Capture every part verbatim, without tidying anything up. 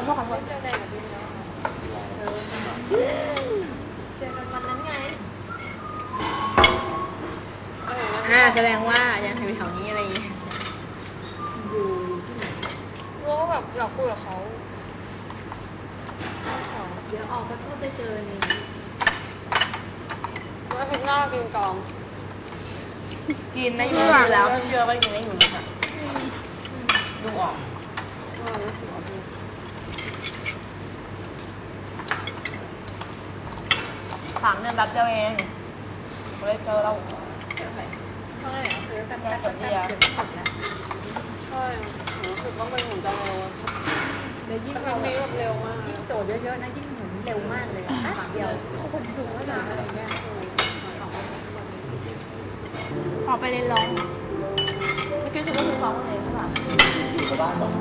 ษขอโทษเจอแดงกับดินแล้วเจอกันวันนั้นไงอ่าแสดงว่ายังอยู่แถวนี้อะไรอย่างเงี้ยรู้ว่าแบบเราคุยกับเขาเดี๋ยวออกไปพูดได้เจอนี่แล้วทุกหน้ากินกองกินได้อยู่แล้วเชื่อว่ากินได้อยู่ค่ะดูออกสามเดือนแบบเดียวเองเลยเจอเราเท่าไหร่เท่าไหร่คือกันแป๊บแป๊บเดียวใช่รู้สึกว่ามันหมุนจะเร็วเดี๋ยวยิ่งมันนี้แบบเร็วมากยิ่งโจทย์เยอะๆนะยิ่งหมุนเร็วมากเลยอ่ะเดียวคนสูงขนาดอะไรเงี้ยพอไปเรียนร้องเมื่อกี้คือก็คือร้องเลยใช่ป่ะอยู่บ้านหรอ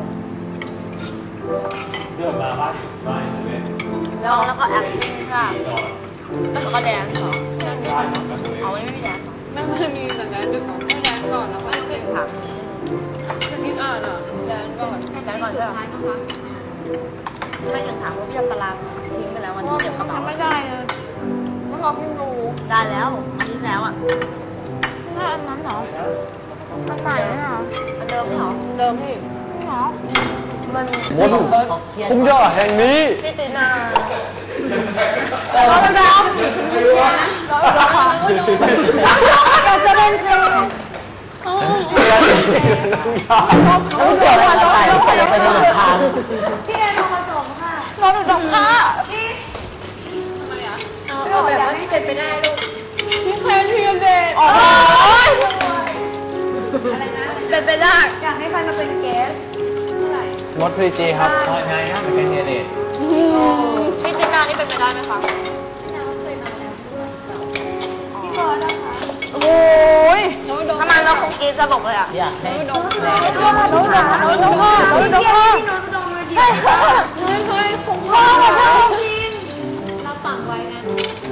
เดินมาบ้านอยู่บ้านเลยร้องแล้วก็แอคค่ะแล้วก็แดนซ์เหรอเอาไม่มีแดนซ์ไม่ไม่มีแต่แดนดึกก่อนไม่แดนก่อนแล้วไม่เป็นผักจะคิดอ่านอ่ะแดนก่อนแดนก่อนใช่ไหมไม่ถึงถามว่าพี่ยอมตารางทิ้งไปแล้ววันที่เก็บกระเป๋าไม่ได้เลยเมื่อเราเพิ่งดูได้แล้วอันนี้แล้วอ่ะถ้าอันนั้นเหรอมันใส่ไหมเหรอมันเดิมเหรอเดิมพี่เหรอมันมดคุ้มยอดแห่งนี้พี่ตีนาเราเป็นเราเราเป็นเราเราจะเล่นเพลงเขาเกี่ยวอะไรกับใส่ไปไปในหลังคาพี่แอนทองผสมค่ะเราดูดอกค่ะพี่ทำไมอ่ะเอาแบบว่าที่เป็นไปได้ลูกพี่แคนพี่เด็กโอ้ยอะไรนะเป็นไปได้อยากให้ใครมาเป็นเกสเท่าไหร่มดทรีจีครับไงนะเป็นแคนดิเดตพี่ตีนานี่เป็นไปได้ไหมคะพี่บอสนะคะโอ้ยทำไมเราคงกินสลบเลยอ่ะอยากให้โน้ตโน้ตโน้ตโน้ตโน้ตโน้ตโน้ตโน้ตโน้ตโน้ตพี่โน้ตจะดมเลยดิเฮ้ยเฮ้ยเฮ้ยคงพ่อจริงเราฝังไว้นะ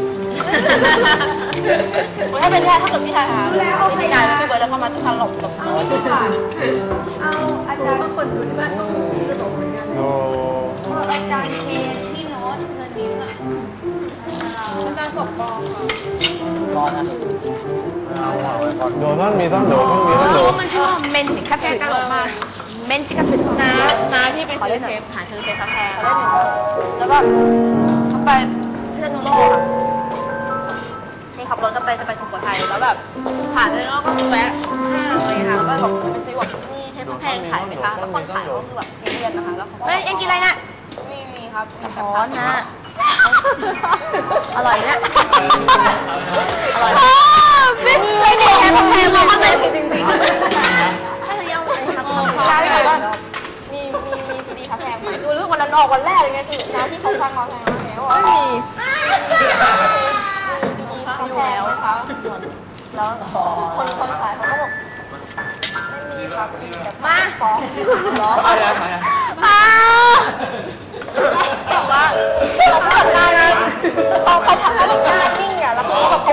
ถ้าเป็นแค่ถ้าเกิดพี่ชายหาพี่ตีนาพี่เบิร์ดแล้วก็มาสลบหลบโน้ตเอาอาจารย์บางคนดูที่บ้านเขามีสลบเหมือนกันอาจารย์เคนพี่โน้ตเงินนิ้วอ่ะอาจารย์สมปองค่ะร้อนนะโดนต้องมีต้องโดนต้องมีต้องโดนมันชื่อว่าเมนจิคัสสึตลกมากเมนจิคัสสึน้าน้าที่ไปซื้อเทปหาซื้อเทปกาแฟแล้วก็เขาไปพิษณุโลกค่ะนี่ขับรถกันไปจะไปสุโขทัยแล้วแบบผ่านเลยแล้วก็แวะห้างเลยค่ะแล้วก็บอกไปซื้อแบบนี่เทปแพงขายไหมคะแล้วคนขายก็คือแบบเรียนนะคะแล้วเขาเฮ้ยเอ็งกินอะไรน่ะมีมีครับอ๋อนะอร่อยเนี่ยอร่อยไม่ไม่ดีแค่แพงมากเลยจริงจริงถ้าจะยังไงครับร้านแบบว่ามีมีมีซีดีคาแพงไหมดูเรื่องวันนั้นออกวันแรกเลยไงคือนะที่เขาฟังคาแพงแล้วไม่มีอยู่แล้วนะคะแล้วคนคนขายเขาก็บอกไม่มีครับมาขอหรอมาแต่ว่าเขาทำงานนะเขาเขาทำงานแบบงานนิ่งอ่ะแล้วเขาแบบ